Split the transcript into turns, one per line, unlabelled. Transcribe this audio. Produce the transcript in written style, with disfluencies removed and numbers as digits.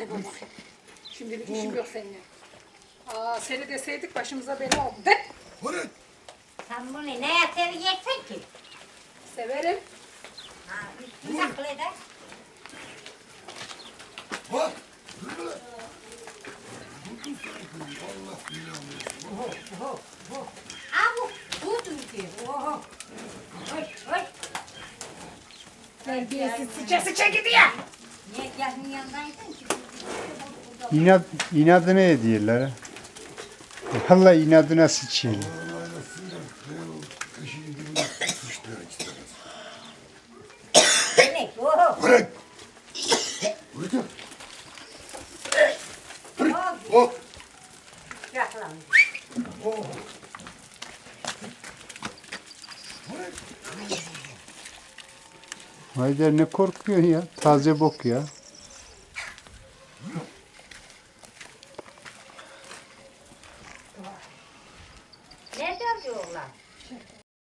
Kaybol bakayım. Şimdilik işim yok seninle. Seni deseydik başımıza bela oldu. De.
Hadi.
Sen bunu neye seveceksin ki?
Severim.
Ha, üstünü saklı eder.
Bak. Dur lan. Vurdun sanki. Allah billahi.
Ha bu dünkü. Oho. Hoş hoş.
Terbiyesiz sıça gidiyor.
Niye gelin yanındaydın ki?
İnadına ediyorlar. Vallahi inadına sıçıyorlar.
Vallahi aslında kaşığı gibi sıçtılar istemez.
Demek oho.
Bırak. Bırak.
Oho.
Oh.
Yaklan.
Oh. Bırak.
Haydar ne korkuyorsun ya? Taze bok ya.
Ne diyorlar?